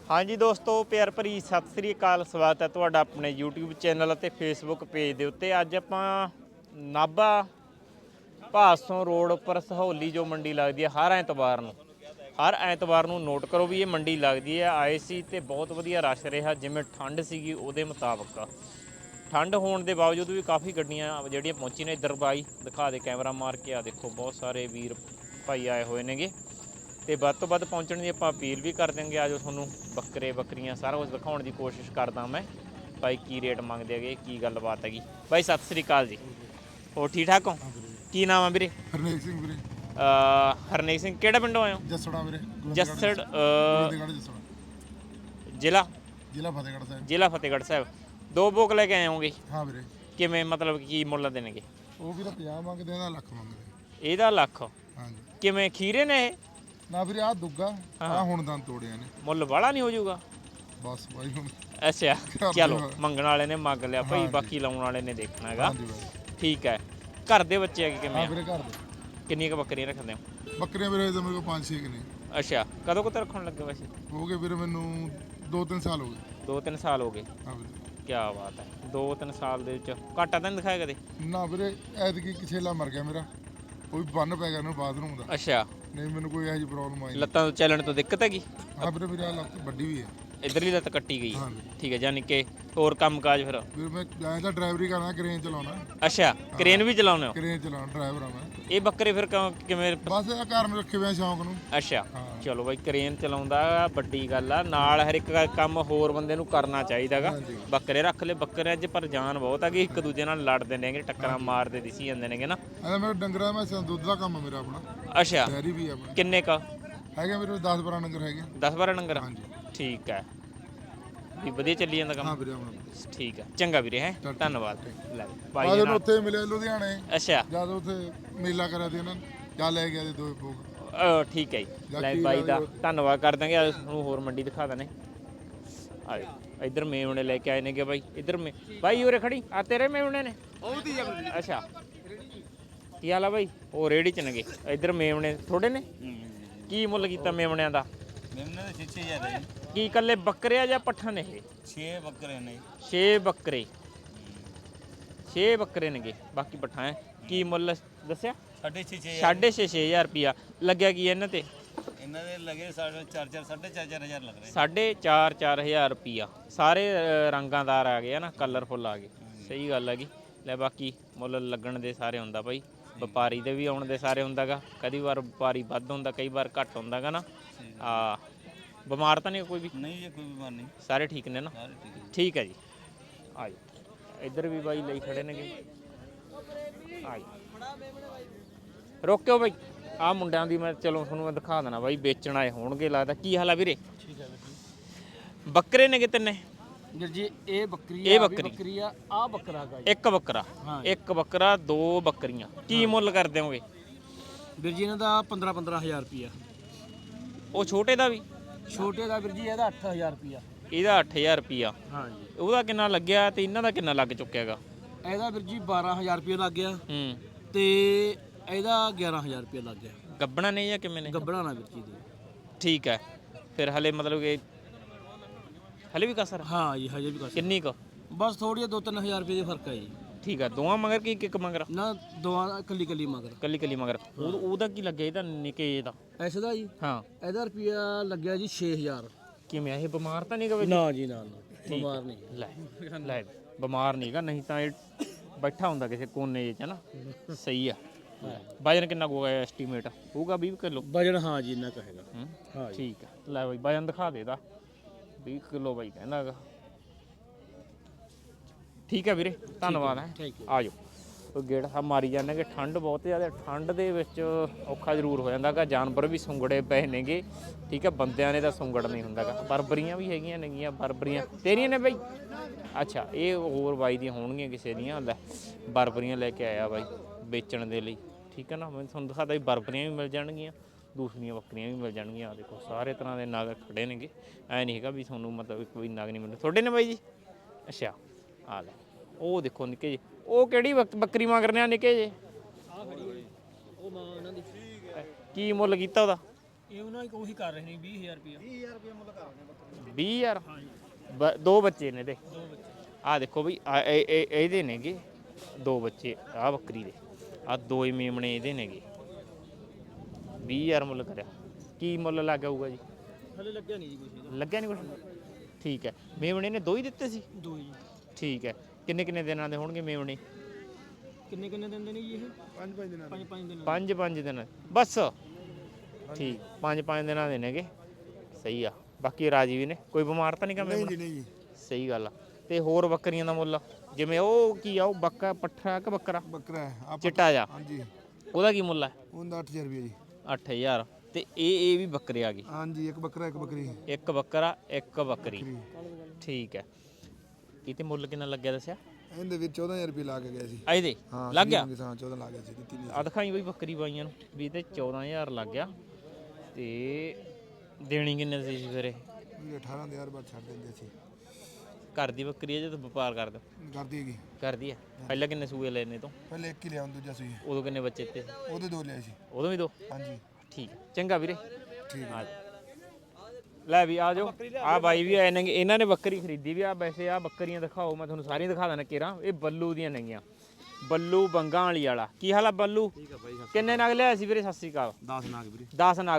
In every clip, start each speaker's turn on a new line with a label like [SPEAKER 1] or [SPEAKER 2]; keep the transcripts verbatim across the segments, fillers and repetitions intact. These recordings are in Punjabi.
[SPEAKER 1] हाँ जी दोस्तों, प्यार भरी सत श्री अकाल। स्वागत है तुहाडा अपने यूट्यूब चैनल और फेसबुक पेज के उत्ते। अज आपां नाभा भासों रोड पर सहोली जो मंडी लगती है हर ऐतवार नूं हर ऐतवार नूं नोट करो भी ये मंडी लगती है। आए सी ते बहुत वधिया रश रहा, जिवें ठंड सीगी उहदे मुताबक ठंड होने के बावजूद भी काफ़ी गड्डियां जिहड़ियां पहुंची ने। इधर बाई दिखा दे कैमरा मार के, आ देखो बहुत सारे वीर भाई आए हुए नेगे ਤੇ ਵੱਧ ਤੋਂ ਵੱਧ ਪਹੁੰਚਣ ਦੀ ਆਪਾਂ ਅਪੀਲ ਵੀ ਕਰ ਦਿਆਂਗੇ। ਆਜੋ ਤੁਹਾਨੂੰ ਬੱਕਰੇ ਬੱਕਰੀਆਂ ਸਾਰਾ ਕੁਝ ਦਿਖਾਉਣ ਦੀ ਕੋਸ਼ਿਸ਼ ਕਰਦਾ ਮੈਂ। ਬਾਈ ਕੀ ਰੇਟ ਮੰਗਦੇ ਹੈਗੇ, ਕੀ ਗੱਲਬਾਤ ਹੈਗੀ। ਬਾਈ ਸਤਿ ਸ੍ਰੀ ਅਕਾਲ ਜੀ, ਹੋਰ ਠੀਕ ਠਾਕ ਹੋ? ਕੀ ਨਾਮ ਆ ਵੀਰੇ?
[SPEAKER 2] ਹਰਨੇਕ ਸਿੰਘ ਵੀਰੇ।
[SPEAKER 1] ਹਰਨੇਕ ਸਿੰਘ, ਕਿਹੜਾ ਪਿੰਡੋਂ ਆਏ ਹੋ?
[SPEAKER 2] ਜੱਸੜਾ ਵੀਰੇ।
[SPEAKER 1] ਜੱਸੜ
[SPEAKER 2] ਜੱਸੜਾ
[SPEAKER 1] ਜ਼ਿਲ੍ਹਾ
[SPEAKER 2] ਜ਼ਿਲ੍ਹਾ ਫਤਿਹਗੜ੍ਹ ਸਾਹਿਬ।
[SPEAKER 1] ਜ਼ਿਲ੍ਹਾ ਫਤਿਹਗੜ੍ਹ ਸਾਹਿਬ। ਦੋ ਬੋਕ ਲੈ ਕੇ ਆਏ ਹੋਗੇ?
[SPEAKER 2] ਹਾਂ ਵੀਰੇ।
[SPEAKER 1] ਕਿਵੇਂ ਮਤਲਬ ਕੀ ਮੁੱਲ ਦੇਣਗੇ?
[SPEAKER 2] ਉਹ ਵੀ ਤਾਂ ਪੰਜਾਹ ਮੰਗਦੇ, ਇਹਦਾ ਲੱਖ ਮੰਗਦੇ।
[SPEAKER 1] ਇਹਦਾ ਲੱਖ?
[SPEAKER 2] ਹਾਂਜੀ।
[SPEAKER 1] ਕਿਵੇਂ ਖੀਰੇ ਨੇ ਇਹ?
[SPEAKER 2] ਨਾ ਵੀਰੇ ਆ ਦੁੱਗਾ ਆ ਹੁਣ ਦੰਦ ਤੋੜਿਆ ਨੇ।
[SPEAKER 1] ਮੁੱਲ ਵਾਲਾ ਨਹੀਂ ਹੋ ਜਾਊਗਾ?
[SPEAKER 2] ਬਸ ਬਾਈ ਹੁਣ
[SPEAKER 1] ਅੱਛਾ ਚਲੋ, ਮੰਗਣ ਵਾਲੇ ਨੇ ਮੰਗ ਲਿਆ ਭਾਈ, ਬਾਕੀ ਲਾਉਣ ਵਾਲੇ ਨੇ ਦੇਖਣਾ ਹੈਗਾ। ਠੀਕ ਹੈ। ਘਰ ਦੇ ਬੱਚੇ ਹੈਗੇ ਕਿਵੇਂ?
[SPEAKER 2] ਹਾਂ ਵੀਰੇ ਘਰ ਦੇ।
[SPEAKER 1] ਕਿੰਨੀਆਂ ਕੁ ਬੱਕਰੀਆਂ ਰੱਖਦੇ ਹੋ?
[SPEAKER 2] ਬੱਕਰੀਆਂ ਵੀਰੇ ਤਾਂ ਮੇਰੇ ਕੋਲ ਪੰਜ ਛੇ ਨੇ।
[SPEAKER 1] ਅੱਛਾ, ਕਦੋਂ ਕੁ ਰੱਖਣ ਲੱਗੇ ਵੈਸੇ?
[SPEAKER 2] ਹੋ ਗਏ ਵੀਰੇ ਮੈਨੂੰ ਦੋ ਤਿੰਨ ਸਾਲ ਹੋ ਗਏ।
[SPEAKER 1] ਦੋ ਤਿੰਨ ਸਾਲ ਹੋ ਗਏ?
[SPEAKER 2] ਹਾਂ ਵੀਰੇ।
[SPEAKER 1] ਕੀ ਬਾਤ ਹੈ। ਦੋ ਤਿੰਨ ਸਾਲ ਦੇ ਵਿੱਚ ਘਾਟਾ ਤਾਂ ਨਹੀਂ ਦਿਖਾਇਆ ਕਦੇ?
[SPEAKER 2] ਨਾ ਵੀਰੇ, ਐਤਕੀ ਕਿਛੇਲਾ ਮਰ ਗਿਆ ਮੇਰਾ, ਕੋਈ ਬੰਨ ਪੈ ਗਿਆ ਉਹਨੂੰ ਬਾਥਰੂਮ ਦਾ।
[SPEAKER 1] ਅੱਛਾ।
[SPEAKER 2] ਨਹੀਂ ਮੈਨੂੰ ਕੋਈ ਇਹੋ ਜਿਹੀ ਪ੍ਰੋਬਲਮ ਆਈ।
[SPEAKER 1] ਲੱਤਾਂ ਤੋਂ ਚੱਲਣ ਤੋਂ ਦਿੱਕਤ ਹੈਗੀ?
[SPEAKER 2] ਹਾਂ ਵੀਰੇ, ਮੇਰੀ ਲੱਤ ਵੱਡੀ ਵੀ ਹੈ।
[SPEAKER 1] ਇਧਰਲੀ ਲੱਤ ਕੱਟੀ ਗਈ?
[SPEAKER 2] ਹਾਂ।
[SPEAKER 1] ਠੀਕ ਹੈ, ਜਾਨੀ ਕਿ ਹੋਰ ਕੰਮ ਕਾਜ ਫਿਰ?
[SPEAKER 2] ਵੀਰੇ ਮੈਂ ਜਾਂ ਤਾਂ ਡਰਾਈਵਰੀ ਕਰਨਾ, ਕ੍ਰੇਨ ਚਲਾਉਣਾ।
[SPEAKER 1] ਅੱਛਾ, ਕ੍ਰੇਨ ਵੀ ਚਲਾਉਂਦੇ ਹੋ?
[SPEAKER 2] ਕ੍ਰੇਨ ਚਲਾਉਣਾ, ਡਰਾਈਵਰ ਆ ਮੈਂ।
[SPEAKER 1] ਇਹ ਬੱਕਰੇ ਫਿਰ ਕਿਵੇਂ?
[SPEAKER 2] ਬਸ ਇਹ ਘਰ ਨੂੰ ਰੱਖੇ ਹੋਏ ਸ਼ੌਂਕ ਨੂੰ।
[SPEAKER 1] ਅੱਛਾ ਚਲੋ ਬਾਈ, ਕ੍ਰੇਨ ਚਲਾਉਂਦਾ ਵੱਡੀ ਗੱਲ ਆ। ਨਾਲ ਹਰ ਇੱਕ ਕੰਮ ਹੋਰ ਬੰਦੇ ਨੂੰ ਕਰਨਾ ਚਾਹੀਦਾਗਾ। ਬੱਕਰੇ ਰੱਖ ਲੈ, ਬੱਕਰਿਆਂ 'ਚ ਪਰ ਜਾਨ ਬਹੁਤ ਹੈਗੀ। ਇੱਕ ਦੂਜੇ ਨਾਲ ਲੜਦੇ ਨੇਗੇ, ਟੱਕਰਾਂ ਮਾਰਦੇ ਦਿਸੀ ਜਾਂਦੇ ਨੇਗੇ ਨਾ।
[SPEAKER 2] ਐ ਮੇਰੇ ਡੰਗਰਾਂ ਮੈਂ ਦੁੱਧ ਦਾ ਕੰਮ ਮੇਰਾ ਆਪਣਾ।
[SPEAKER 1] ਅੱਛਾ,
[SPEAKER 2] ਡੈਰੀ ਵੀ ਆਪਣੀ।
[SPEAKER 1] ਕਿੰਨੇ ਕ
[SPEAKER 2] ਹੈਗੇ ਮੇਰੇ ਦਸ ਬਾਰਾਂ ਡੰਗਰ ਹੈਗੇ।
[SPEAKER 1] ਦਸ ਬਾਰਾਂ ਡੰਗਰ?
[SPEAKER 2] ਹਾਂਜੀ।
[SPEAKER 1] ਠੀਕ ਹੈ, ਵੀ ਵਧੀਆ ਚੱਲੀ ਜਾਂਦਾ ਕੰਮ?
[SPEAKER 2] ਹਾਂ ਵੀਰੇ ਆਪਣਾ।
[SPEAKER 1] ਠੀਕ ਹੈ, ਚੰਗਾ ਵੀਰੇ। ਹੈ ਧੰਨਵਾਦ। ਲੈ
[SPEAKER 2] ਭਾਈ ਜਦੋਂ ਉੱਥੇ ਮਿਲੇ ਲੁਧਿਆਣੇ।
[SPEAKER 1] ਅੱਛਾ।
[SPEAKER 2] ਜਦ ਉੱਥੇ ਮੇਲਾ ਕਰਿਆ ਤੇ ਇਹਨਾਂ ਜਾਂ ਲੈ ਗਿਆ ਤੇ ਦੋ ਬੋਕ।
[SPEAKER 1] ਠੀਕ ਹੈ ਜੀ। ਲੈ ਬਾਈ ਦਾ ਧੰਨਵਾਦ ਕਰ ਦਾਂਗੇ। ਅੱਜ ਤੁਹਾਨੂੰ ਹੋਰ ਮੰਡੀ ਦਿਖਾ ਦਨੇ। ਆ ਇੱਧਰ ਮੇਵਣੇ ਲੈ ਕੇ ਆਏ ਨੇਗੇ ਬਾਈ। ਇੱਧਰ ਮੇ ਬਾਈ ਉਰੇ ਖੜੀ ਆ, ਤੇਰੇ ਮੇਵਣੇ ਨੇ? ਅੱਛਾ, ਕੀ ਹਾਲ ਆ ਬਾਈ? ਉਹ ਰੇੜੀ ਚ ਨੇਗੇ। ਇੱਧਰ ਮੇਵਣੇ ਥੋੜੇ ਨੇ? ਕੀ ਮੁੱਲ ਕੀਤਾ ਮੇਵਣਿਆਂ ਦਾ?
[SPEAKER 3] ਮੇਮਨੇ ਦੇ ਛੇ ਛੇ ਹਜ਼ਾਰ ਹੈ।
[SPEAKER 1] ਕੀ ਇਕੱਲੇ ਬੱਕਰੇ ਆ ਜਾਂ ਪੱਠਾ ਨੇ ਇਹ?
[SPEAKER 3] ਛੇ ਬੱਕਰੇ ਨੇ।
[SPEAKER 1] ਛੇ ਬੱਕਰੇ? ਛੇ ਬੱਕਰੇ ਨੇਗੇ, ਬਾਕੀ ਪੱਠਾ ਹੈ। ਕੀ ਮੁੱਲ ਦੱਸਿਆ?
[SPEAKER 3] ਸਾਢੇ ਛੇ ਛੇ
[SPEAKER 1] ਸਾਢੇ ਛੇ ਛੇ ਹਜ਼ਾਰ ਰੁਪਿਆ ਲੱਗਿਆ। ਕੀ ਇਹਨਾਂ ਤੇ?
[SPEAKER 3] ਇਹਨਾਂ ਦੇ ਲੱਗੇ ਸਾਢੇ ਚਾਰ ਚਾਰ ਸਾਢੇ ਚਾਰ ਚਾਰ ਹਜ਼ਾਰ ਲੱਗ ਰਹੇ।
[SPEAKER 1] ਸਾਢੇ ਚਾਰ ਚਾਰ ਹਜ਼ਾਰ ਰੁਪਿਆ। ਸਾਰੇ ਰੰਗਾਂਦਾਰ ਆ ਗਏ ਨਾ, ਕਲਰਫੁੱਲ ਆ ਗਏ। ਸਹੀ ਗੱਲ ਹੈਗੀ। ਲੈ ਬਾਕੀ ਮੁੱਲ ਲੱਗਣ ਦੇ ਸਾਰੇ ਹੁੰਦਾ ਭਾਈ, ਵਪਾਰੀ ਦੇ ਵੀ ਆਉਣ ਦੇ ਸਾਰੇ ਹੁੰਦਾਗਾ। ਕਦੀ ਵਾਰ ਵਪਾਰੀ ਵੱਧ ਹੁੰਦਾ, ਕਈ ਵਾਰ ਘੱਟ ਹੁੰਦਾਗਾ ਨਾ। ਆ ਬਿਮਾਰ ਤਾਂ ਨਹੀਂ ਕੋਈ ਵੀ?
[SPEAKER 3] ਨਹੀਂ ਜੀ, ਕੋਈ ਬਿਮਾਰ ਨਹੀਂ,
[SPEAKER 1] ਸਾਰੇ ਠੀਕ ਨੇ ਨਾ?
[SPEAKER 3] ਸਾਰੇ ਠੀਕ ਹੈ।
[SPEAKER 1] ਠੀਕ ਹੈ ਜੀ। ਆ ਜਾਓ, ਇੱਧਰ ਵੀ ਬਾਈ ਲਈ ਖੜੇ ਨੇਗੇ। ਆ ਜਾਓ, ਰੋਕਿਓ ਬਾਈ। ਆਹ ਮੁੰਡਿਆਂ ਦੀ ਮੈਂ ਚਲੋ ਤੁਹਾਨੂੰ ਮੈਂ ਦਿਖਾ ਦੇਣਾ ਬਾਈ, ਵੇਚਣ ਆਏ ਹੋਣਗੇ ਲੱਗਦਾ। ਕੀ ਹਾਲ ਆ ਵੀਰੇ?
[SPEAKER 3] ਠੀਕ ਹੈ।
[SPEAKER 1] ਬੱਕਰੇ ਨੇਗੇ ਤਿੰਨੇ?
[SPEAKER 4] ਵੀਰ ਜੀ ਇਹ ਬੱਕਰੀ
[SPEAKER 1] ਇਹ ਬੱਕਰੀ
[SPEAKER 4] ਬੱਕਰੀ ਆ, ਆ ਬੱਕਰਾ ਹੈਗਾ ਜੀ।
[SPEAKER 1] ਇੱਕ ਬੱਕਰਾ? ਇੱਕ ਬੱਕਰਾ, ਦੋ ਬੱਕਰੀਆਂ। ਕੀ ਮੁੱਲ ਕਰ ਦਿਓਗੇ?
[SPEAKER 4] ਵੀਰ ਜੀ ਇਹਨਾਂ ਦਾ ਪੰਦਰਾਂ ਪੰਦਰਾਂ ਹਜ਼ਾਰ ਰੁਪਿਆ।
[SPEAKER 1] ਉਹ ਛੋਟੇ ਦਾ ਵੀ?
[SPEAKER 4] ਛੋਟੇ ਦਾ ਵੀਰ ਜੀ ਇਹਦਾ ਅੱਠ ਹਜ਼ਾਰ ਰੁਪਿਆ।
[SPEAKER 1] ਇਹਦਾ ਅੱਠ ਹਜ਼ਾਰ ਰੁਪਿਆ?
[SPEAKER 4] ਹਾਂ ਜੀ।
[SPEAKER 1] ਉਹਦਾ ਕਿੰਨਾ ਲੱਗਿਆ ਤੇ ਇਹਨਾਂ ਦਾ ਕਿੰਨਾ ਲੱਗ ਚੁੱਕਿਆ ਹੈਗਾ?
[SPEAKER 4] ਇਹਦਾ ਵੀਰ ਜੀ ਬਾਰਾਂ ਹਜ਼ਾਰ ਰੁਪਿਆ ਲੱਗ ਗਿਆ
[SPEAKER 1] ਹੂੰ।
[SPEAKER 4] ਤੇ ਇਹਦਾ ਗਿਆਰਾਂ ਹਜ਼ਾਰ ਰੁਪਿਆ ਲੱਗ ਗਿਆ।
[SPEAKER 1] ਗੱਬਣਾ ਨੇ ਜਾਂ ਕਿਵੇਂ ਨੇ?
[SPEAKER 4] ਗੱਬਣਾ ਨਾ ਵੀਰ ਜੀ ਦੇ।
[SPEAKER 1] ਠੀਕ ਹੈ। ਫਿਰ ਹਲੇ ਮਤਲਬ ਕਿ ਹਲੇ ਵੀ ਕਸਰ?
[SPEAKER 4] ਹਾਂ ਜੀ, ਹਜੇ ਵੀ ਕਰ
[SPEAKER 1] ਕਿੰਨੀ ਕੁ?
[SPEAKER 4] ਬਸ ਥੋੜੀ ਦੋ ਤਿੰਨ ਹਜ਼ਾਰ ਰੁਪਏ ਦੇ ਫਰਕ ਹੈ ਜੀ।
[SPEAKER 1] ਠੀਕ ਹੈ। ਦੋਵਾਂ ਮਗਰ ਕੀ ਇੱਕ ਇੱਕ ਮਗਰ?
[SPEAKER 4] ਨਾ ਦੋਵਾਂ ਦਾ ਕੱਲੀ ਕੱਲੀ ਮਗਰ।
[SPEAKER 1] ਕੱਲੀ ਕੱਲੀ ਮਗਰ। ਉਹ ਉਹਦਾ ਕੀ ਲੱਗਿਆ ਇਹਦਾ ਨਿੱਕੇ ਦਾ?
[SPEAKER 4] ਐਸੇ ਦਾ ਜੀ?
[SPEAKER 1] ਹਾਂ।
[SPEAKER 4] ਇਹਦਾ ਰੁਪਿਆ ਲੱਗਿਆ ਜੀ ਛੇ ਹਜ਼ਾਰ।
[SPEAKER 1] ਕਿਵੇਂ ਇਹ ਬਿਮਾਰ ਤਾਂ ਨਹੀਂ ਗਾ?
[SPEAKER 4] ਨਾ ਜੀ ਨਾ ਨਾ, ਬਿਮਾਰ ਨਹੀਂ।
[SPEAKER 1] ਲੈ ਲੈ, ਬਿਮਾਰ ਨਹੀਂਗਾ, ਨਹੀਂ ਤਾਂ ਇਹ ਬੈਠਾ ਹੁੰਦਾ ਕਿਸੇ ਕੋਨੇ 'ਚ ਨਾ। ਸਹੀ ਆ। ਵਜਨ ਕਿੰਨਾ ਹੋਊਗਾ ਐਸਟੀਮੇਟ? ਹੋਊਗਾ ਵੀਹ ਕਿਲੋ
[SPEAKER 4] ਵਜਨ? ਹਾਂ ਜੀ ਇੰਨਾ ਕਹੇਗਾ।
[SPEAKER 1] ਹਾਂ ਠੀਕ ਹੈ। ਲੈ ਬਾਈ ਵਜਨ ਦਿਖਾ ਦੇ ਇਹਦਾ। ਵੀਹ ਕਿਲੋ ਬਾਈ ਕਹਿੰਦਾ ਹੈਗਾ। ਠੀਕ ਹੈ ਵੀਰੇ, ਧੰਨਵਾਦ। ਹੈ ਆ ਜਾਓ। ਗੇੜਾ ਮਾਰੀ ਜਾਂਦੇ ਕਿ ਠੰਡ ਬਹੁਤ ਜ਼ਿਆਦਾ। ਠੰਡ ਦੇ ਵਿੱਚ ਔਖਾ ਜ਼ਰੂਰ ਹੋ ਜਾਂਦਾ ਗਾ। ਜਾਨਵਰ ਵੀ ਸੁੰਗੜੇ ਪਏ ਨੇਗੇ। ਠੀਕ ਹੈ, ਬੰਦਿਆਂ ਨੇ ਤਾਂ ਸੁੰਗੜ ਨਹੀਂ ਹੁੰਦਾ ਗਾ। ਬਰਬਰੀਆਂ ਵੀ ਹੈਗੀਆਂ ਨੇਗੀਆਂ। ਬਰਬਰੀਆਂ ਤੇਰੀਆਂ ਨੇ ਬਾਈ? ਅੱਛਾ, ਇਹ ਹੋਰ ਬਾਈ ਦੀਆਂ ਹੋਣਗੀਆਂ ਕਿਸੇ ਦੀਆਂ। ਲੈ ਬਰਬਰੀਆਂ ਲੈ ਕੇ ਆਇਆ ਬਾਈ ਵੇਚਣ ਦੇ ਲਈ। ਠੀਕ ਹੈ ਨਾ, ਮੈਂ ਤੁਹਾਨੂੰ ਦਿਖਾਤਾ ਵੀ ਬਰਬਰੀਆਂ ਵੀ ਮਿਲ ਜਾਣਗੀਆਂ, ਦੂਸਰੀਆਂ ਬੱਕਰੀਆਂ ਵੀ ਮਿਲ ਜਾਣਗੀਆਂ। ਆ ਦੇਖੋ ਸਾਰੇ ਤਰ੍ਹਾਂ ਦੇ ਨਗ ਖੜੇ ਨੇਗੇ। ਐ ਨਹੀਂ ਹੈਗਾ ਵੀ ਤੁਹਾਨੂੰ ਮਤਲਬ ਕੋਈ ਨਗ ਨਹੀਂ ਮਿਲਦਾ। ਤੁਹਾਡੇ ਨੇ ਬਾਈ ਜੀ? ਅੱਛਾ, ਆ ਲੈ ਉਹ ਦੇਖੋ ਨਿੱਕੇ ਜਿਹੇ। ਉਹ ਕਿਹੜੀ ਬੱਕਰੀ ਮੰਗ ਰਹੇ ਆ ਨਿੱਕੇ ਜਿਹੇ?
[SPEAKER 4] ਉਹ ਮਾਂ ਉਹਨਾਂ ਦੀ।
[SPEAKER 1] ਕੀ ਮੁੱਲ ਕੀਤਾ ਉਹਦਾ?
[SPEAKER 4] ਇਹ ਉਹਨਾਂ ਉਹੀ ਕਰ ਰਹੇ ਨੇ ਵੀਹ ਹਜ਼ਾਰ ਰੁਪਿਆ। ਵੀਹ ਹਜ਼ਾਰ ਰੁਪਿਆ ਮੁੱਲ ਕਰ ਰਹੇ ਨੇ ਬੱਕਰੀ।
[SPEAKER 1] ਵੀਹ ਹਜ਼ਾਰ ਬ- ਦੋ ਬੱਚੇ ਨੇ ਇਹਦੇ। ਆ ਦੇਖੋ ਬਈ ਆ ਇਹ- ਇਹ- ਇਹਦੇ ਨੇਗੇ ਦੋ ਬੱਚੇ ਆ ਬੱਕਰੀ ਦੇ। ਆ ਦੋ ਹੀ ਮੇਮਣੇ ਇਹਦੇ ਨੇਗੇ। ਵੀਹ ਹਜ਼ਾਰ ਮੁੱਲ ਕਰਿਆ। ਕੀ ਮੁੱਲ ਲੱਗ ਆਊਗਾ ਜੀ?
[SPEAKER 4] ਹਲੇ ਲੱਗਿਆ ਨਹੀਂ ਜੀ ਕੁਛ
[SPEAKER 1] ਲੱਗਿਆ ਨਹੀਂ ਕੁਛ? ਠੀਕ ਹੈ। ਮੇਮਣੇ ਨੇ ਦੋ ਹੀ ਦਿੱਤੇ ਸੀ?
[SPEAKER 4] ਦੋ ਜੀ।
[SPEAKER 1] ਠੀਕ ਹੈ। ਕਿੰਨੇ ਕਿੰਨੇ ਦਿਨਾਂ ਦੇ ਹੋਣਗੇ ਮੇਮਣੇ?
[SPEAKER 4] ਕਿੰਨੇ ਕਿੰਨੇ ਦਿੰਦੇ ਨੇ ਜੀ ਇਹ? ਪੰਜ ਪੰਜ ਦਿਨਾਂ ਪੰਜ ਪੰਜ ਦਿਨਾਂ
[SPEAKER 1] ਪੰਜ ਪੰਜ ਦਿਨ ਬਸ। ਠੀਕ ਪੰਜ ਪੰਜ ਦਿਨਾਂ ਦੇ ਨੇਗੇ। ਸਹੀ ਆ। ਬਾਕੀ ਰਾਜੀ ਵੀ ਨੇ, ਕੋਈ ਬਿਮਾਰ ਤਾਂ ਨਹੀਂ ਕੰਮ?
[SPEAKER 2] ਨਹੀਂ ਜੀ ਨਹੀਂ ਜੀ।
[SPEAKER 1] ਸਹੀ ਗੱਲ ਆ। ਤੇ ਹੋਰ ਬੱਕਰੀਆਂ ਦਾ ਮੁੱਲ ਜਿਵੇਂ ਉਹ ਕੀ ਆ, ਉਹ ਬੱਕਾ ਪੱਠਾ ਕਿ ਬੱਕਰਾ
[SPEAKER 2] ਬੱਕਰਾ ਹੈ ਆਪ
[SPEAKER 1] ਚਿੱਟਾ ਜਾ,
[SPEAKER 2] ਹਾਂਜੀ
[SPEAKER 1] ਉਹਦਾ ਕੀ ਮੁੱਲ ਹੈ?
[SPEAKER 2] ਉਹਦਾ ਅੱਠ ਹਜ਼ਾਰ ਰੁਪਏ ਜੀ।
[SPEAKER 1] ਅੱਠ ਹਜ਼ਾਰ। ਤੇ ਇਹ ਇਹ ਵੀ ਬੱਕਰੇ ਆ ਗਏ?
[SPEAKER 2] ਹਾਂਜੀ ਇੱਕ ਬੱਕਰਾ ਇੱਕ ਬੱਕਰੀ।
[SPEAKER 1] ਇੱਕ ਬੱਕਰਾ ਇੱਕ ਬੱਕਰੀ। ਠੀਕ ਹੈ। ਇਹ ਤੇ ਮੁੱਲ ਕਿੰਨਾ ਲੱਗਿਆ ਦੱਸਿਆ?
[SPEAKER 2] ਇਹਦੇ ਵਿੱਚ ਚੌਦਾਂ ਹਜ਼ਾਰ ਰੁਪਏ ਲਾ ਕੇ ਗਏ ਸੀ।
[SPEAKER 1] ਆ ਇਹਦੇ
[SPEAKER 2] ਹਾਂ
[SPEAKER 1] ਲੱਗ ਗਿਆ?
[SPEAKER 2] ਹਾਂ ਚੌਦਾਂ ਲਾ ਗਏ ਸੀ, ਦਿੱਤੀ ਨਹੀਂ।
[SPEAKER 1] ਆ ਦਿਖਾਈ ਬਈ ਬੱਕਰੀ ਬਾਈਆਂ ਨੂੰ ਵੀ ਤੇ ਚੌਦਾਂ ਹਜ਼ਾਰ ਲੱਗ ਗਿਆ। ਤੇ ਦੇਣੀ ਕਿੰਨੇ ਸੀ ਜੀ ਫਿਰ ਇਹ?
[SPEAKER 2] ਵੀ ਅਠਾਰਾਂ ਹਜ਼ਾਰ ਬਾਅਦ ਛੱਡ ਦਿੰਦੇ ਸੀ।
[SPEAKER 1] ਘਰ ਦੀ ਬੱਕਰੀ ਹੈ ਜਦੋਂ ਵਪਾਰ ਕਰਦੇ?
[SPEAKER 2] ਕਰਦੀ ਹੈਗੀ।
[SPEAKER 1] ਕਰਦੀ ਹੈ। ਪਹਿਲਾਂ ਕਿੰਨੇ ਸੂਏ ਲੈਣੇ ਤੋਂ?
[SPEAKER 2] ਪਹਿਲੇ ਇੱਕ ਹੀ ਲਿਆ, ਦੂਜਾ ਸੂਈ
[SPEAKER 1] ਉਦੋਂ ਕਿੰਨੇ ਬੱਚੇ ਤੇ?
[SPEAKER 2] ਉਹਦੇ ਦੋ ਲਿਆ ਸੀ।
[SPEAKER 1] ਉਦੋਂ ਵੀ ਦੋ?
[SPEAKER 2] ਹਾਂਜੀ
[SPEAKER 1] ਠੀਕ ਹੈ। ਚੰਗਾ ਵੀਰੇ।
[SPEAKER 2] ਠੀਕ ਹੈ।
[SPEAKER 1] ਆ ਲੈ ਵੀ ਆ ਜਾਓ। ਆ ਬਾਈ ਵੀ ਆਏ ਨੇ, ਇਹਨਾਂ ਨੇ ਬੱਕਰੀ ਖਰੀਦੀ ਵੀ ਆ। ਵੈਸੇ ਆ ਬੱਕਰੀਆਂ ਦਿਖਾਓ, ਮੈਂ ਤੁਹਾਨੂੰ ਸਾਰੀਆਂ ਦਿਖਾ ਦਾਂ ਕੇਰਾਂ। ਇਹ ਬੱਲੂ ਦੀਆਂ ਨੇਗੀਆਂ, ਬੱਲੂ ਬੰਗਾ ਵਾਲੀ ਵਾਲਾ। ਕੀ ਹਾਲ ਆ ਬੱਲੂ?
[SPEAKER 3] ਠੀਕ ਆ ਬਾਈ।
[SPEAKER 1] ਕਿੰਨੇ ਨਗ ਲਿਆ ਸੀ ਵੀਰੇ? ਸਤਿ ਸ਼੍ਰੀ ਅਕਾਲ।
[SPEAKER 3] ਦਸ ਨਾਗ ਵੀਰੇ।
[SPEAKER 1] ਦਸ ਨਗ।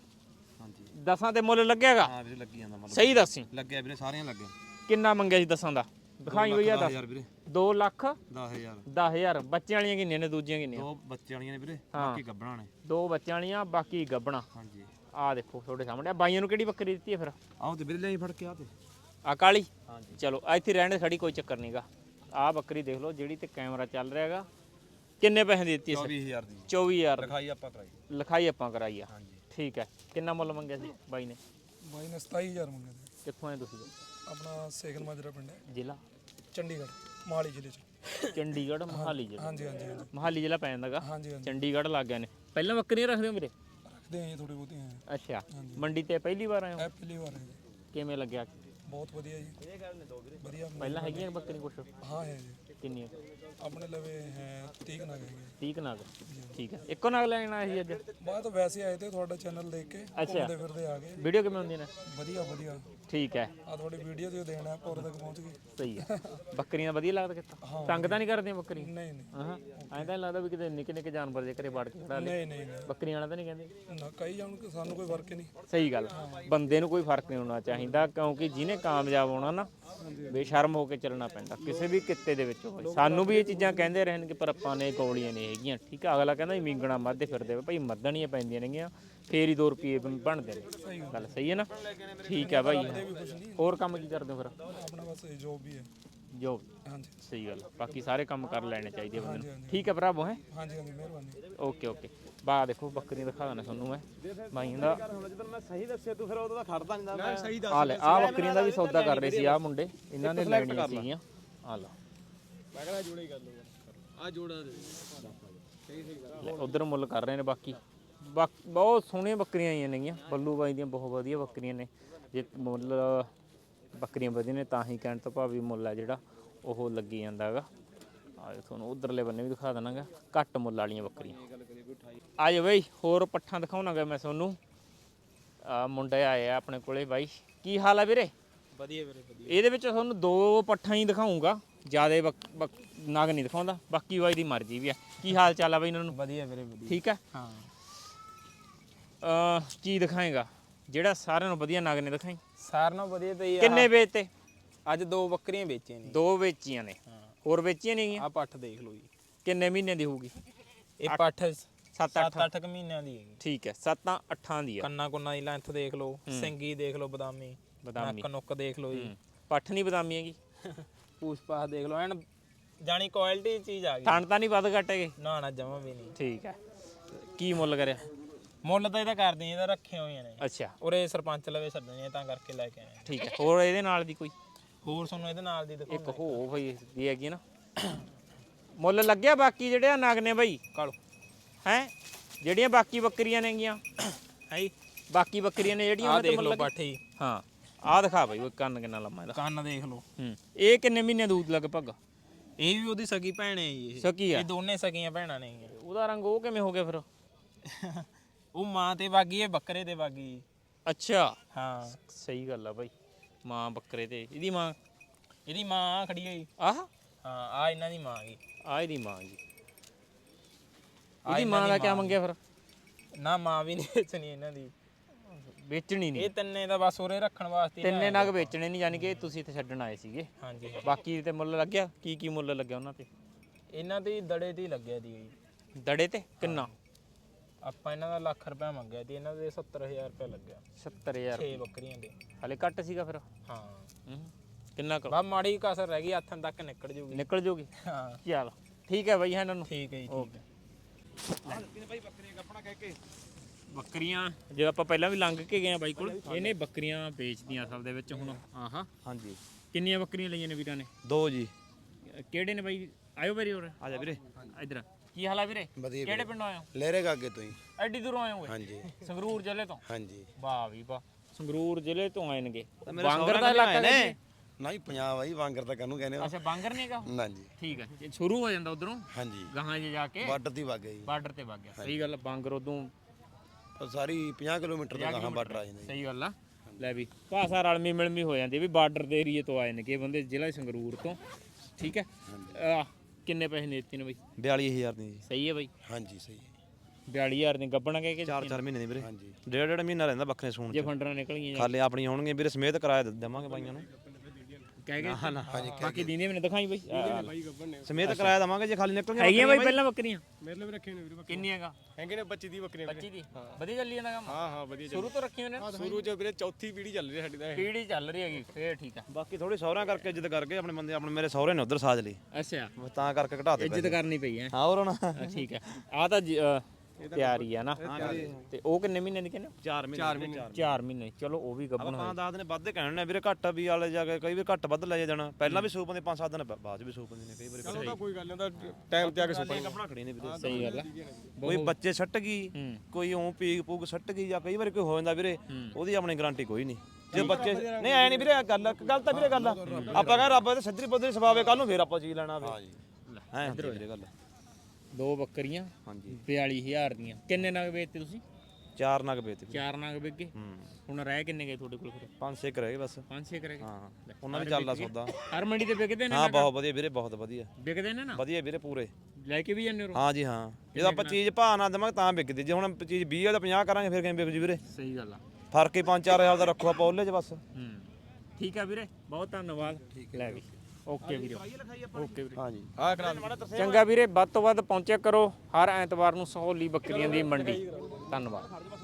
[SPEAKER 3] ਹਾਂਜੀ
[SPEAKER 1] ਦਸਾਂ ਤੇ ਮੁੱਲ ਲੱਗਿਆਗਾ?
[SPEAKER 3] ਹਾਂ ਵੀਰੇ ਲੱਗੀ ਜਾਂਦਾ ਮਤਲਬ।
[SPEAKER 1] ਸਹੀ ਦੱਸੀ
[SPEAKER 3] ਲੱਗਿਆ ਵੀਰੇ, ਸਾਰਿਆਂ ਲੱਗੇ।
[SPEAKER 1] ਕਿੰਨਾ ਮੰਗਿਆ ਸੀ ਦਸਾਂ ਦਾ? ਦਿਖਾਈ ਹੋਈ ਆ।
[SPEAKER 3] ਦਸ ਹਜ਼ਾਰ ਵੀਰੇ।
[SPEAKER 1] ਦੋ ਲੱਖ
[SPEAKER 3] ਦਸ ਹਜ਼ਾਰ।
[SPEAKER 1] ਦਸ ਹਜ਼ਾਰ। ਬੱਚਿਆਂ ਵਾਲੀਆਂ ਕਿੰਨੀਆਂ ਨੇ? ਦੂਜੀਆਂ ਕਿੰਨੀਆਂ?
[SPEAKER 3] ਦੋ ਬੱਚੇ ਵਾਲੀਆਂ ਨੇ ਵੀਰੇ, ਬਾਕੀ ਗੱਭਣਾ ਨੇ।
[SPEAKER 1] ਦੋ ਬੱਚਿਆਂ ਵਾਲੀਆਂ, ਬਾਕੀ ਗੱਬਣਾ।
[SPEAKER 3] ਹਾਂਜੀ
[SPEAKER 1] ਆ ਦੇਖੋ ਤੁਹਾਡੇ ਸਾਹਮਣੇ। ਆ ਬਾਈਆਂ ਨੂੰ ਕਿਹੜੀ ਬੱਕਰੀ ਦਿੱਤੀ ਹੈ ਫਿਰ?
[SPEAKER 3] ਆਓ ਤੇ ਵੀਰੇ ਲਈ ਫੜ ਕੇ ਆ ਤੇ।
[SPEAKER 1] ਆ ਕਾਲੀ?
[SPEAKER 3] ਹਾਂਜੀ
[SPEAKER 1] ਚਲੋ ਇੱਥੇ ਰਹਿਣ ਦੇ, ਖੜੀ ਕੋਈ ਚੱਕਰ ਨਹੀਂਗਾ। ਆ ਬੱਕਰੀ ਦੇਖ ਲਓ ਜਿਹੜੀ ਤੇ ਕੈਮਰਾ ਚੱਲ ਰਿਹਾ ਹੈਗਾ। ਕਿੰਨੇ ਪੈਸੇ ਦੀ ਦਿੱਤੀ ਇਸ?
[SPEAKER 3] ਚੌਵੀ ਹਜ਼ਾਰ ਦੀ
[SPEAKER 1] ਚੌਵੀ ਹਜ਼ਾਰ।
[SPEAKER 3] ਲਿਖਾਈ ਆਪਾਂ ਕਰਾਈ।
[SPEAKER 1] ਲਿਖਾਈ ਆਪਾਂ ਕਰਾਈ ਆ।
[SPEAKER 3] ਹਾਂਜੀ
[SPEAKER 1] ਠੀਕ ਹੈ। ਕਿੰਨਾ ਮੁੱਲ ਮੰਗਿਆ ਸੀ ਬਾਈ ਨੇ?
[SPEAKER 2] ਬਾਈ ਨੇ ਸਤਾਈ ਹਜ਼ਾਰ ਮੰਗੇ ਸੀ।
[SPEAKER 1] ਕਿੱਥੋਂ ਆਏ ਤੁਸੀਂ?
[SPEAKER 2] ਆਪਣਾ ਸੇਖਨ ਮਾਜਰਾ ਪਿੰਡ ਹੈ,
[SPEAKER 1] ਜ਼ਿਲ੍ਹਾ?
[SPEAKER 2] ਚੰਡੀਗੜ੍ਹ ਮੋਹਾਲੀ ਜ਼ਿਲ੍ਹੇ ਚ।
[SPEAKER 1] ਚੰਡੀਗੜ੍ਹ ਮੋਹਾਲੀ ਜ਼ਿਲ੍ਹਾ?
[SPEAKER 2] ਹਾਂਜੀ ਹਾਂਜੀ ਹਾਂਜੀ
[SPEAKER 1] ਮੋਹਾਲੀ ਜ਼ਿਲ੍ਹਾ ਪੈ ਜਾਂਦਾਗਾ।
[SPEAKER 2] ਹਾਂਜੀ ਹਾਂਜੀ
[SPEAKER 1] ਚੰਡੀਗੜ੍ਹ ਲੱਗ ਗਏ ਨੇ। ਪਹਿਲਾਂ ਬੱਕਰੀਆਂ ਰੱਖਦੇ ਹੋ ਵੀਰੇ?
[SPEAKER 2] ਰੱਖਦੇ ਆਂ ਜੀ ਥੋੜੀ ਬਹੁਤੀ ਹੈ।
[SPEAKER 1] ਅੱਛਾ। ਮੰਡੀ ਤੇ ਪਹਿਲੀ ਵਾਰ ਆਏ ਹੋ?
[SPEAKER 2] ਇਹ ਪਹਿਲੀ ਵਾਰ ਹੈ ਜੀ।
[SPEAKER 1] ਕਿਵੇਂ ਲੱਗਿਆ?
[SPEAKER 2] ਬਹੁਤ ਵਧੀਆ ਜੀ। ਵਧੀਆ।
[SPEAKER 1] ਪਹਿਲਾਂ ਹੈਗੀਆਂ ਬੱਕਰੀ ਕੁਛ?
[SPEAKER 2] ਹਾਂ ਹੈ ਜੀ।
[SPEAKER 1] ਕਿੰਨੀਆਂ?
[SPEAKER 2] ਆਪਣੇ ਲਵੇ ਹੈ ਤੀਹ ਨਗ ਹੈਗੇ।
[SPEAKER 1] ਤੀਹ ਨਗ। ਠੀਕ ਹੈ। ਇੱਕੋ ਨਗ ਲੈਣਾ ਆਏ ਸੀ ਅੱਜ?
[SPEAKER 2] ਬਾਅਦ ਤਾਂ ਵੈਸੇ ਆਏ ਤੇ ਤੁਹਾਡਾ ਚੈਨਲ ਦੇਖ ਕੇ ਘੁੰਮਦੇ ਫਿਰਦੇ ਆ ਗਏ।
[SPEAKER 1] ਵੀਡੀਓ ਕਿਵੇਂ ਹੁੰਦੀ ਨੇ?
[SPEAKER 2] ਵਧੀਆ ਵਧੀਆ।
[SPEAKER 1] ਠੀਕ ਹੈ।
[SPEAKER 2] ਆ ਤੁਹਾਡੀ ਵੀਡੀਓ ਤੇ ਦੇਣਾ ਪੌਰ ਤੱਕ ਪਹੁੰਚ ਗਈ।
[SPEAKER 1] ਸਹੀ ਹੈ। ਬੱਕਰੀਆਂ ਵਧੀਆ ਲੱਗਦਾ ਕਿਤਾ? ਤੰਗ ਤਾਂ ਨਹੀਂ ਕਰਦੀਆਂ ਬੱਕਰੀਆਂ?
[SPEAKER 2] ਨਹੀਂ ਨਹੀਂ
[SPEAKER 1] ਹਾਂ ਐਂ ਤਾਂ ਨੀ ਲੱਗਦਾ ਵੀ ਕਿਤੇ ਨਿੱਕੇ ਨਿੱਕੇ ਜਾਨਵਰ ਜੇ ਘਰੇ ਬਾੜ ਕੇ ਖੜਾ ਲੈ?
[SPEAKER 2] ਨਹੀਂ ਨਹੀਂ ਨਹੀਂ
[SPEAKER 1] ਬੱਕਰੀਆਂ ਵਾਲਾ ਤਾਂ ਨਹੀਂ ਕਹਿੰਦੇ?
[SPEAKER 2] ਨਾ ਕਈ ਜਾਣ ਕਿ ਸਾਨੂੰ ਕੋਈ ਫਰਕ ਹੀ ਨਹੀਂ।
[SPEAKER 1] ਸਹੀ ਗੱਲ। ਬੰਦੇ ਨੂੰ ਕੋਈ ਫਰਕ ਨਹੀਂ ਹੋਣਾ ਚਾਹੀਦਾ, ਕਿਉਂਕਿ ਜਿਹਨੇ ਕਾਮਯਾਬ ਹੋਣਾ ਨਾ ਬੇਸ਼ਰਮ ਹੋ ਕੇ ਚੱਲਣਾ ਪੈਂਦਾ ਕਿਸੇ ਵੀ ਕਿੱਤੇ ਦੇ ਵਿੱਚ ਹੋਵੇ। ਸਾਨੂੰ ਵੀ ਇਹ ਚੀਜ਼ਾਂ ਕਹਿੰਦੇ ਰਹਿਣਗੇ ਪਰ ਆਪਾਂ ਨੇ ਗੋਲੀਆਂ ਨਹੀਂ ਹੈਗੀਆਂ। ਠੀਕ ਆ। ਅਗਲਾ ਕਹਿੰਦਾ ਮੀਂਗਣਾ ਮੱਧੇ ਫਿਰਦੇ ਭਾਈ, ਮੱਧਣੀਆਂ ਪੈਂਦੀਆਂ ਨੇਗੀਆਂ ਫੇਰ ਹੀ ਦੋ ਰੁਪਏ ਬਣਦੇ ਨੇ। ਗੱਲ ਸਹੀ ਹੈ ਨਾ? ਠੀਕ ਹੈ ਭਾਈ। ਹੋਰ ਕੰਮ ਕੀ ਕਰਦੇ ਹੋ ਫਿਰ?
[SPEAKER 2] ਆਪਣਾ ਬਸ ਜੋਬ ਵੀ ਹੈ।
[SPEAKER 1] ਜੋ
[SPEAKER 2] ਹਾਂਜੀ
[SPEAKER 1] ਸਹੀ ਗੱਲ। ਬਾਕੀ ਸਾਰੇ ਕੰਮ ਕਰ ਲੈਣੇ ਚਾਹੀਦੇ ਬੰਦੇ ਨੂੰ।
[SPEAKER 2] ਹਾਂਜੀ।
[SPEAKER 1] ਠੀਕ ਹੈ ਭਰਾਵੋ। ਹੈ
[SPEAKER 2] ਹਾਂਜੀ ਹਾਂਜੀ ਮਿਹਰਬਾਨੀ।
[SPEAKER 1] Okay okay. ਬਾ ਦੇਖੋ ਬੱਕਰੀਆਂ ਦਿਖਾ ਦੇਣਾ ਤੁਹਾਨੂੰ ਮੈਂ ਬਾਈਆਂ ਦਾ।
[SPEAKER 3] ਜਦੋਂ ਮੈਂ ਸਹੀ ਦੱਸਿਆ ਤੂੰ ਫਿਰ ਉਦੋਂ ਤਾਂ ਖੜਦਾ ਨਹੀਂ ਮੈਂ ਸਹੀ
[SPEAKER 1] ਆ ਲੈ ਆ ਬੱਕਰੀਆਂ ਦਾ ਵੀ ਸੌਦਾ ਕਰ ਰਹੇ ਸੀ ਆ ਮੁੰਡੇ, ਇਹਨਾਂ ਨੇ ਲੈਣੀਆਂ ਸੀਗੀਆਂ। ਆ ਲਾ
[SPEAKER 3] ਮੈਂ ਕਹਿੰਦਾ ਜੋੜੇ ਕਰ ਲਓ। ਆ ਜੋੜਾ ਦੇ
[SPEAKER 1] ਉਧਰ ਮੁੱਲ ਕਰ ਰਹੇ ਨੇ। ਬਾਕੀ ਬਾਕ- ਬਹੁਤ ਸੋਹਣੀਆਂ ਬੱਕਰੀਆਂ ਆਈਆਂ ਨੇਗੀਆਂ ਬੱਲੂ ਬਾਈ ਦੀਆਂ, ਬਹੁਤ ਵਧੀਆ ਬੱਕਰੀਆਂ ਨੇ। ਜੇ ਮੁੱਲ ਬੱਕਰੀਆਂ ਵਧੀਆ ਨੇ ਤਾਂ ਹੀ ਕਹਿਣ ਤੋਂ ਭਾਵ ਵੀ ਮੁੱਲ ਆ ਜਿਹੜਾ ਉਹ ਲੱਗੀ ਜਾਂਦਾ ਹੈਗਾ। ਆ ਤੁਹਾਨੂੰ ਉਧਰਲੇ ਬੰਨੇ ਵੀ ਦਿਖਾ ਦੇਣਾਗਾ ਘੱਟ ਮੁੱਲ ਵਾਲੀਆਂ ਬੱਕਰੀਆਂ। ਆ ਜਾਓ ਬਈ, ਹੋਰ ਪੱਠਾਂ ਦਿਖਾਉਣਾਗਾ ਮੈਂ ਤੁਹਾਨੂੰ। ਆ ਮੁੰਡੇ ਆਏ ਆ ਆਪਣੇ ਕੋਲੇ। ਬਾਈ ਕੀ ਹਾਲ ਆ ਵੀਰੇ?
[SPEAKER 3] ਵਧੀਆ ਵੀਰੇ ਵਧੀਆ।
[SPEAKER 1] ਇਹਦੇ ਵਿੱਚ ਤੁਹਾਨੂੰ ਦੋ ਪੱਠਾਂ ਹੀ ਦਿਖਾਉਂਗਾ, ਜਿਆਦਾ ਨਗ ਨਹੀਂ ਦਿਖਾਉਂਦਾ। ਬਾਕੀ ਬਾਈ ਦੀ ਮਰਜ਼ੀ ਵੀ ਆ। ਕੀ ਹਾਲ ਚਾਲ ਆ ਬਾਈ ਇਹਨਾਂ ਨੂੰ?
[SPEAKER 3] ਵਧੀਆ ਵੀਰੇ ਵਧੀਆ।
[SPEAKER 1] ਠੀਕ ਹੈ।
[SPEAKER 3] ਹਾਂ
[SPEAKER 1] ਅ ਕੀ ਦਿਖਾਏਗਾ ਜਿਹੜਾ ਸਾਰਿਆਂ ਨੂੰ ਵਧੀਆ ਨਗ ਨੇ? ਦਿਖਾਈ।
[SPEAKER 3] ਸਾਰਿਆਂ ਨਾਲੋਂ ਵਧੀਆ ਤੇ
[SPEAKER 1] ਕਿੰਨੇ ਵੇਚਤੇ?
[SPEAKER 3] ਅੱਜ ਦੋ ਬੱਕਰੀਆਂ ਵੇਚੀਆਂ ਨੇ।
[SPEAKER 1] ਦੋ ਵੇਚੀਆਂ ਨੇ। ਹੋਰ ਵੇਚੀਆਂ ਨਹੀਂ
[SPEAKER 3] ਆ ਪੱਠ ਦੇਖ ਲਓ ਜੀ।
[SPEAKER 1] ਕਿੰਨੇ ਮਹੀਨਿਆਂ ਦੀ ਹੋਊਗੀ
[SPEAKER 3] ਇਹ ਪੱਠ
[SPEAKER 1] ਸੱਤ ਅੱਠ।
[SPEAKER 3] ਸੱਤ ਅੱਠ ਮਹੀਨਿਆਂ ਦੀ ਹੈਗੀ।
[SPEAKER 1] ਠੀਕ ਹੈ। ਸੱਤਾਂ ਅੱਠਾਂ ਦੀ ਆ।
[SPEAKER 3] ਕੰਨਾ ਕੁੰਨਾ ਦੀ ਲੈਂਥ ਦੇਖ ਲਓ, ਸਿੰਗੀ ਦੇਖ ਲਓ, ਬਦਾਮੀ
[SPEAKER 1] ਬਦਾਮੀ
[SPEAKER 3] ਨੱਕ ਨੁੱਕ ਦੇਖ ਲਓ ਜੀ।
[SPEAKER 1] ਪੱਠ ਨਹੀਂ ਬਦਾਮੀ ਹੈਗੀ।
[SPEAKER 3] ਪੂਛ ਪਾਸ ਦੇਖ ਲਓ, ਐਨ ਜਾਣੀ ਕੁਆਲਿਟੀ ਚੀਜ਼ ਆ ਗਈ।
[SPEAKER 1] ਥਣ ਤਾਂ ਨਹੀਂ ਵੱਧ ਘੱਟ ਹੈਗੇ?
[SPEAKER 3] ਨਾ ਨਾ ਜਮਾ ਵੀ ਨਹੀਂ।
[SPEAKER 1] ਠੀਕ ਹੈ। ਕੀ ਮੁੱਲ ਕਰਿਆ?
[SPEAKER 3] ਮੁੱਲ ਤਾਂ ਇਹਦਾ ਕਰਦੇ ਇਹਦਾ ਰੱਖੇ ਹੋਈਆਂ ਨੇ।
[SPEAKER 1] ਅੱਛਾ
[SPEAKER 3] ਉਰੇ ਸਰਪੰਚ ਲਵੇ ਛੱਡਣੇ ਤਾਂ ਕਰਕੇ ਲੈ ਕੇ ਆਏ।
[SPEAKER 1] ਠੀਕ ਹੈ। ਹੋਰ ਇਹਦੇ ਨਾਲ ਦੀ ਕੋਈ?
[SPEAKER 3] ਹੋਰ ਤੁਹਾਨੂੰ ਇਹਦੇ ਨਾਲ ਦੀ ਦਿਖਾਓ।
[SPEAKER 1] ਇੱਕ ਹੋ ਬਈ ਦੀ ਹੈਗੀ ਨਾ। ਮੁੱਲ ਲੱਗਿਆ ਬਾਕੀ ਜਿਹੜੇ ਆ ਨਗ ਨੇ ਬਈ
[SPEAKER 3] ਕਾਲੋ
[SPEAKER 1] ਹੈ ਜਿਹੜੀਆਂ ਬਾਕੀ ਬੱਕਰੀਆਂ ਨੇਗੀਆਂ
[SPEAKER 3] ਹੈ ਜੀ।
[SPEAKER 1] ਬਾਕੀ ਬੱਕਰੀਆਂ ਨੇ ਜਿਹੜੀਆਂ
[SPEAKER 3] ਆਹ
[SPEAKER 1] ਉਹਨਾਂ ਤੇ
[SPEAKER 3] ਦੇਖ
[SPEAKER 1] ਮੁੱਲ
[SPEAKER 3] ਲਓ
[SPEAKER 1] ਲੱਗਿਆ?
[SPEAKER 3] ਪੱਠ ਜੀ।
[SPEAKER 1] ਹਾਂ ਆਹ ਦਿਖਾ ਬਈ ਉਹ ਕੰਨ ਕਿੰਨਾ ਲੰਮਾ ਇਹਦਾ।
[SPEAKER 3] ਕੰਨ ਦੇਖ ਲਓ।
[SPEAKER 1] ਹੂੰ ਇਹ ਕਿੰਨੇ ਮਹੀਨੇ ਦੂਧ ਲਗਭਗ?
[SPEAKER 3] ਇਹ ਵੀ ਉਹਦੀ ਸਗੀ ਭੈਣ ਹੈ ਜੀ। ਇਹ
[SPEAKER 1] ਸਕੀ ਆ?
[SPEAKER 3] ਇਹ ਦੋਨੇ ਸਗੀਆਂ ਭੈਣਾਂ ਨੇ।
[SPEAKER 1] ਉਹਦਾ ਰੰਗ ਉਹ ਕਿਵੇਂ ਹੋ ਗਿਆ ਫਿਰ?
[SPEAKER 3] ਉਹ ਮਾਂ ਤੇ ਬਾਗੀ ਇਹ ਬੱਕਰੇ ਤੇ ਬਾਗੀ।
[SPEAKER 1] ਅੱਛਾ
[SPEAKER 3] ਹਾਂ
[SPEAKER 1] ਸਹੀ ਗੱਲ ਆ ਬਾਈ। ਮਾਂ ਬੱਕਰੇ ਤੇ ਇਹਦੀ ਮਾਂ
[SPEAKER 4] ਇਹਦੀ ਮਾਂ ਆ ਖੜੀ ਹੋਈ।
[SPEAKER 1] ਆਹ
[SPEAKER 4] ਹਾਂ ਆ ਇਹਨਾਂ ਦੀ ਮਾਂ ਗਈ।
[SPEAKER 1] ਆ ਇਹਦੀ ਮਾਂ ਜੀ ਇਹਦੀ ਮਾਂ ਦਾ ਕਿਆ ਮੰਗਿਆ ਫਿਰ?
[SPEAKER 4] ਨਾ ਮਾਂ ਵੀ ਨਹੀਂ ਵੇਚਣੀ ਇਹਨਾਂ ਦੀ,
[SPEAKER 1] ਵੇਚਣੀ ਨਹੀਂ।
[SPEAKER 4] ਇਹ ਤਿੰਨੇ ਤਾਂ ਬਸ ਉਰੇ ਰੱਖਣ ਵਾਸਤੇ ਹੀ
[SPEAKER 1] ਤਿੰਨੇ ਨਗ ਵੇਚਣੇ ਨਹੀਂ, ਯਾਨੀ ਕਿ ਤੁਸੀਂ ਇੱਥੇ ਛੱਡਣ ਆਏ ਸੀਗੇ।
[SPEAKER 4] ਹਾਂਜੀ
[SPEAKER 1] ਬਾਕੀ ਤੇ ਮੁੱਲ ਲੱਗਿਆ? ਕੀ ਕੀ ਮੁੱਲ ਲੱਗਿਆ ਉਹਨਾਂ ਤੇ?
[SPEAKER 4] ਇਹਨਾਂ ਦੀ ਦੜੇ ਤੇ ਹੀ ਲੱਗਿਆ ਦੀ ਜੀ।
[SPEAKER 1] ਦੜੇ ਤੇ ਕਿੰਨਾ?
[SPEAKER 4] ਆਪਾਂ ਇਹਨਾਂ ਦਾ ਲੱਖ ਰੁਪਇਆ ਮੰਗਿਆ ਤੇ ਇਹਨਾਂ ਦੇ ਸੱਤਰ ਹਜ਼ਾਰ ਰੁਪਇਆ ਲੱਗਿਆ
[SPEAKER 1] ਸੱਤਰ ਹਜ਼ਾਰ
[SPEAKER 4] ਛੇ ਬੱਕਰੀਆਂ ਦੇ।
[SPEAKER 1] ਹਲੇ ਘੱਟ ਸੀਗਾ ਫਿਰ?
[SPEAKER 4] ਹਾਂ
[SPEAKER 1] ਹੂੰ। ਕਿੰਨਾ ਕੁ
[SPEAKER 4] ਬਾ ਮਾੜੀ ਕਸਰ ਰਹਿ ਗਈ, ਹੱਥਾਂ ਤੱਕ ਨਿਕਲ ਜੂਗੀ।
[SPEAKER 1] ਨਿਕਲ ਜੂਗੀ?
[SPEAKER 4] ਹਾਂ
[SPEAKER 1] ਚੱਲ ਠੀਕ ਹੈ ਬਾਈ, ਇਹਨਾਂ ਨੂੰ
[SPEAKER 4] ਠੀਕ ਹੈ ਜੀ।
[SPEAKER 1] ਓਕੇ। ਬੱਕਰੀਆਂ ਜੇ ਆਪਾਂ ਪਹਿਲਾਂ ਵੀ ਲੰਘ ਕੇ ਗਏ ਆ ਬਾਈ ਕੋਲ, ਇਹਨੇ ਬੱਕਰੀਆਂ ਵੇਚਦੀਆਂ ਅਸਲ ਦੇ ਵਿੱਚ ਹੁਣ। ਆਹਾ
[SPEAKER 5] ਹਾਂਜੀ
[SPEAKER 1] ਕਿੰਨੀਆਂ ਬੱਕਰੀਆਂ ਲਈਆਂ ਨੇ ਵੀਰਾਂ ਨੇ?
[SPEAKER 5] ਦੋ ਜੀ।
[SPEAKER 1] ਅ, ਕਿਹੜੇ ਨੇ ਬਾਈ? ਆਇਓ ਵੀਰੇ ਉਰੇ
[SPEAKER 5] ਆ ਜਾ ਵੀਰੇ।
[SPEAKER 1] ਇਧਰ ਕੀ ਹਾਲ ਆ ਵੀਰੇ?
[SPEAKER 6] ਵਧੀਆ
[SPEAKER 1] ਕਿਹੜੇ ਪਿੰਡੋਂ ਆਏ ਹੋ?
[SPEAKER 6] ਲਹਿਰੇ ਅੱਗੇ ਤੋਂ ਹੀ।
[SPEAKER 1] ਐਡੀ ਦੂਰੋਂ ਆਏ ਹੋਗੇ?
[SPEAKER 6] ਹਾਂਜੀ
[SPEAKER 1] ਸੰਗਰੂਰ ਜ਼ਿਲ੍ਹੇ ਤੋਂ?
[SPEAKER 6] ਹਾਂਜੀ
[SPEAKER 1] ਵਾਹ ਵੀ ਵਾਹ, ਸੰਗਰੂਰ ਜ਼ਿਲ੍ਹੇ ਤੋਂ ਆਏ ਨੇਗੇ।
[SPEAKER 5] ਮੇਰੇ
[SPEAKER 1] ਬਾਂਗਰ
[SPEAKER 5] ਸਹੁਰੇ
[SPEAKER 1] ਦਾ
[SPEAKER 5] ਘਰ
[SPEAKER 1] ਇਲਾਕਾ
[SPEAKER 5] ਆਏ ਨੇ।
[SPEAKER 1] ਨੇ?
[SPEAKER 6] ਨਹੀਂ ਪੰਜਾਬ ਆਈ ਵਾਂਗਰ ਤਾਂ ਕਾਹਨੂੰ ਕਹਿੰਦੇ ਹੋ?
[SPEAKER 1] ਅੱਛਾ ਬਾਂਗਰ ਨੇਗਾ।
[SPEAKER 6] ਨਾ ਜੀ
[SPEAKER 1] ਠੀਕ ਹੈ, ਇਹ ਸ਼ੁਰੂ ਹੋ ਜਾਂਦਾ ਉਧਰੋਂ
[SPEAKER 6] ਹਾਂਜੀ
[SPEAKER 1] ਗਾਹਾਂ ਜੇ ਜਾ ਕੇ
[SPEAKER 6] ਬਾਰਡਰ ਦੀ ਵਗ ਗਈ
[SPEAKER 1] ਬਾਰਡਰ ਤੇ ਵਗ ਗਿਆ। ਸਹੀ ਗੱਲ ਆ, ਬਾਂਗਰ ਉਦੋਂ
[SPEAKER 6] ਉਹ ਸਾਰੀ ਪੰਜਾਹ ਕਿਲੋਮੀਟਰ ਤੋਂ ਗਾਹਾਂ ਬਾਰਡਰ ਆ ਜਾਂਦੇ।
[SPEAKER 1] ਸਹੀ ਗੱਲ ਆ। ਲੈ ਵੀ ਭਾਸ਼ਾ ਰਲਮੀ ਮਿਲਮੀ ਹੋ ਜਾਂਦੀ ਵੀ ਬਾਰਡਰ ਦੇ ਏਰੀਏ ਤੋਂ ਆਏ ਨੇ ਕਿ ਬੰਦੇ ਜ਼ਿਲ੍ਹਾ ਸੰਗਰੂਰ ਤੋਂ। ਠੀਕ ਹੈ। ਆਹ, ਕਿੰਨੇ ਪੈਸੇ ਨੇ ਦਿੱਤੇ ਨੇ ਬਾਈ?
[SPEAKER 5] ਬਿਆਲੀ ਹਜ਼ਾਰ ਦੀ ਜੀ।
[SPEAKER 1] ਸਹੀ ਹੈ ਬਾਈ?
[SPEAKER 6] ਹਾਂਜੀ ਸਹੀ
[SPEAKER 1] ਬਿਆਲੀ ਹਜ਼ਾਰ ਦੀ ਗੱਬਣਾ ਕਹਿ ਕੇ
[SPEAKER 5] ਚਾਰ ਚਾਰ ਮਹੀਨੇ ਦੀ ਵੀਰੇ।
[SPEAKER 6] ਹਾਂਜੀ
[SPEAKER 5] ਡੇਢ ਡੇਢ ਮਹੀਨਾ ਰਹਿੰਦਾ ਬੱਕਰੇ ਸੂਣ
[SPEAKER 1] ਜੇ
[SPEAKER 5] ਚ।
[SPEAKER 1] ਫੰਡਰਾਂ ਨਿਕਲ ਗਈਆਂ
[SPEAKER 5] ਖਾਲੇ ਆਪਣੀ ਹੋਣਗੇ ਵੀਰੇ, ਸਮੇਤ ਕਿਰਾਇਆ ਦੇ ਦੇਵਾਂਗੇ ਬਾਈਆਂ ਨੂੰ।
[SPEAKER 1] ਕਹਿ ਗਏ? ਬਾਕੀ ਦੀਨੇ ਮੈਨੂੰ ਦਿਖਾਈ ਬਾਈ।
[SPEAKER 5] ਸਮੇਤ ਕਿਰਾਇਆ ਦੇਵਾਂਗੇ ਜੇ ਖਾਲੀ ਨਿਕਲ
[SPEAKER 1] ਹੈਗੀਆਂ ਬਾਈ ਪਹਿਲਾਂ ਬੱਕਰੀਆਂ?
[SPEAKER 3] ਮੇਰੇ ਲਈ ਵੀ ਰੱਖੇ ਨੇ ਵੀਰੇ ਬੱਕਰੀਆਂ।
[SPEAKER 1] ਕਿੰਨੀਆਂ ਗਾ?
[SPEAKER 3] ਹੈਗੇ ਨੇ ਬੱਚੀ ਦੀ ਬੱਕਰੀਆਂ ਵੀਰੇ।
[SPEAKER 1] ਪੱਚੀ ਦੀ? ਵਧੀਆ ਚੱਲੀ ਜਾਂਦਾ ਕੰਮ?
[SPEAKER 3] ਹਾਂ ਹਾਂ ਵਧੀਆ
[SPEAKER 1] ਸ਼ੁਰੂ ਤੋਂ ਰੱਖੀਆਂ ਨੇ?
[SPEAKER 3] ਸ਼ੁਰੂ ਚ ਵੀਰੇ ਚੌਥੀ ਪੀੜ੍ਹੀ ਚੱਲ ਰਹੀ ਹੈ ਸਾਡੀ ਤਾਂ ਇਹ।
[SPEAKER 1] ਪੀੜੀ ਚੱਲ ਰਹੀ ਹੈਗੀ, ਫੇਰ ਠੀਕ ਆ।
[SPEAKER 5] ਬਾਕੀ ਥੋੜੀ ਸਹੁਰਿਆਂ ਕਰਕੇ ਇੱਜ਼ਤ ਕਰਕੇ ਆਪਣੇ ਬੰਦੇ ਆਪਣੇ ਮੇਰੇ ਸਹੁਰੇ ਨੇ ਉਧਰ ਸਾਜ ਲਈ,
[SPEAKER 1] ਅੱਛਾ,
[SPEAKER 5] ਬਸ ਤਾਂ ਕਰਕੇ ਘਟਾ ਦੇ
[SPEAKER 1] ਇੱਜ਼ਤ ਕਰਨੀ ਪਈ ਹੈ।
[SPEAKER 5] ਹਾਂ ਹੋਰ ਨਾ।
[SPEAKER 1] ਆ, ਠੀਕ ਹੈ। ਆ ਤਾਂ ਜ- ਅ, ਤਿਆਰੀ ਆ ਨਾ। ਤੇ ਉਹ ਕਿੰਨੇ ਮਹੀਨੇ ਦੀ ਕਹਿੰਦੇ?
[SPEAKER 5] ਚਾਰ ਮਹੀਨੇ ਚਾਰ ਮਹੀਨੇ
[SPEAKER 1] ਚਾਰ ਮਹੀਨੇ। ਚਲੋ ਉਹ ਵੀ ਗੱਭਣ
[SPEAKER 5] ਆਪਾਂ ਦਸ ਦਿਨ ਵੱਧਦੇ ਕਹਿਣ ਨੇ ਵੀਰੇ, ਘੱਟ ਵੀ ਵਾਲੇ ਜਾ ਕੇ ਕਈ ਵਾਰ ਘੱਟ ਵੱਧ ਲੈ ਜਾਣਾ। ਪਹਿਲਾਂ ਵੀ ਸੂਪ ਦੇ ਪੰਜ ਸੱਤ ਦਿਨ ਬਾਅਦ ਵੀ ਸੂਪ ਦੇ ਨੇ ਕਈ ਵਾਰੀ।
[SPEAKER 3] ਚਲੋ ਤਾਂ ਕੋਈ ਗੱਲ ਨਹੀਂ, ਉਹਦਾ ਟਾਈਮ ਤੇ ਆ ਕੇ ਸੁਪਰ
[SPEAKER 5] ਆਪਣਾ ਖੜੀ ਨੇ ਵੀਰੇ।
[SPEAKER 1] ਸਹੀ ਗੱਲ ਆ।
[SPEAKER 5] ਕੋਈ ਬੱਚੇ ਸੱਟ ਗਈ,
[SPEAKER 1] ਹੂੰ।
[SPEAKER 5] ਕੋਈ ਉਹ ਪੀਕ ਪੂਕ ਸੱਟ ਗਈ ਜਾਂ ਕਈ ਵਾਰੀ ਕੋਈ ਹੋ ਜਾਂਦਾ ਵੀਰੇ, ਉਹਦੀ ਆਪਣੀ ਗਾਰੰਟੀ ਕੋਈ ਨਹੀਂ। ਜੇ ਬੱਚੇ ਨਹੀਂ ਐ ਨਹੀਂ ਵੀਰੇ, ਗੱਲ ਗੱਲ ਤਾਂ ਵੀਰੇ ਗੱਲ ਆ। ਆਪਾਂ ਕਹਿੰਦੇ ਰੱਬ ਤੇ ਸੱਜਰੀ ਪੁੱਤਰੀ ਸਵਾਵੇ, ਕੱਲ ਨੂੰ ਫੇਰ ਆਪਾਂ ਚੀਜ਼ ਲੈਣਾ ਵੇ। ਹਾਂ ਜੀ ਵੀਰੇ ਗੱਲ।
[SPEAKER 1] ਦੋ ਬੱਕਰੀਆਂ
[SPEAKER 5] ਹਾਂਜੀ
[SPEAKER 1] ਬਿਆਲੀ ਹਜ਼ਾਰ ਦੀਆਂ। ਕਿੰਨੇ ਨਗ ਵੇਚਤੇ ਤੁਸੀਂ?
[SPEAKER 5] ਚਾਰ ਨਗ ਵੇਚ
[SPEAKER 1] ਚਾਰ ਨਗ ਵਿਕ ਗਏ।
[SPEAKER 5] ਹੂੰ
[SPEAKER 1] ਹੁਣ ਰਹਿ ਕਿੰਨੇ ਗਏ ਤੁਹਾਡੇ ਕੋਲ ਫਿਰ?
[SPEAKER 5] ਪੰਜ ਛੇ ਰਹਿ ਗਏ ਬਸ।
[SPEAKER 1] ਪੰਜ ਛੇ ਕਰੇਗੇ।
[SPEAKER 5] ਹਾਂ ਉਹਨਾਂ ਵੀ ਚੱਲਦਾ ਸੌਦਾ।
[SPEAKER 1] ਹਰ ਮੰਡੀ ਤੇ ਵਿਕਦੇ ਨੇ?
[SPEAKER 5] ਹਾਂ ਬਹੁਤ ਵਧੀਆ ਵੀਰੇ, ਬਹੁਤ ਵਧੀਆ
[SPEAKER 1] ਵਿਕਦੇ ਨੇ ਨਾ?
[SPEAKER 5] ਵਧੀਆ ਵੀਰੇ ਪੂਰੇ।
[SPEAKER 1] ਲੈ ਕੇ ਵੀ ਜਾਂਦੇ ਹੋ?
[SPEAKER 5] ਹਾਂ ਜੀ ਹਾਂ, ਜਦੋਂ ਆਪਾਂ ਚੀਜ਼ ਭਾਅ ਨਾ ਦੇਵਾਂਗੇ ਤਾਂ ਵਿਕਦੀ। ਜੇ ਹੁਣ ਚੀਜ਼ ਵੀਹ ਦਾ ਪੰਜਾਹ ਕਰਾਂਗੇ ਫਿਰ ਕਿਵੇਂ ਵਿਕ ਜੂ ਵੀਰੇ?
[SPEAKER 1] ਸਹੀ ਗੱਲ ਆ।
[SPEAKER 5] ਫਰਕ ਹੀ ਪੰਜ ਚਾਰ ਹਜ਼ਾਰ ਦਾ ਰੱਖੋ ਆਪਾਂ ਉਹਲੇ 'ਚ ਬਸ।
[SPEAKER 1] ਹੂੰ ਠੀਕ ਆ ਵੀਰੇ, ਬਹੁਤ ਧੰਨਵਾਦ। ਲੈ ਵੀ ਓਕੇ ਵੀਰੇ, ਓਕੇ ਵੀਰੇ।
[SPEAKER 5] ਹਾਂ ਜੀ
[SPEAKER 3] ਆਹ ਕਰਾ
[SPEAKER 1] ਚੰਗਾ ਵੀਰੇ, ਵੱਧ ਤੋਂ ਵੱਧ ਪਹੁੰਚਿਆ ਕਰੋ ਹਰ ਐਤਵਾਰ ਨੂੰ ਸਹੌਲੀ ਬੱਕਰੀਆਂ ਦੀ ਮੰਡੀ। ਧੰਨਵਾਦ।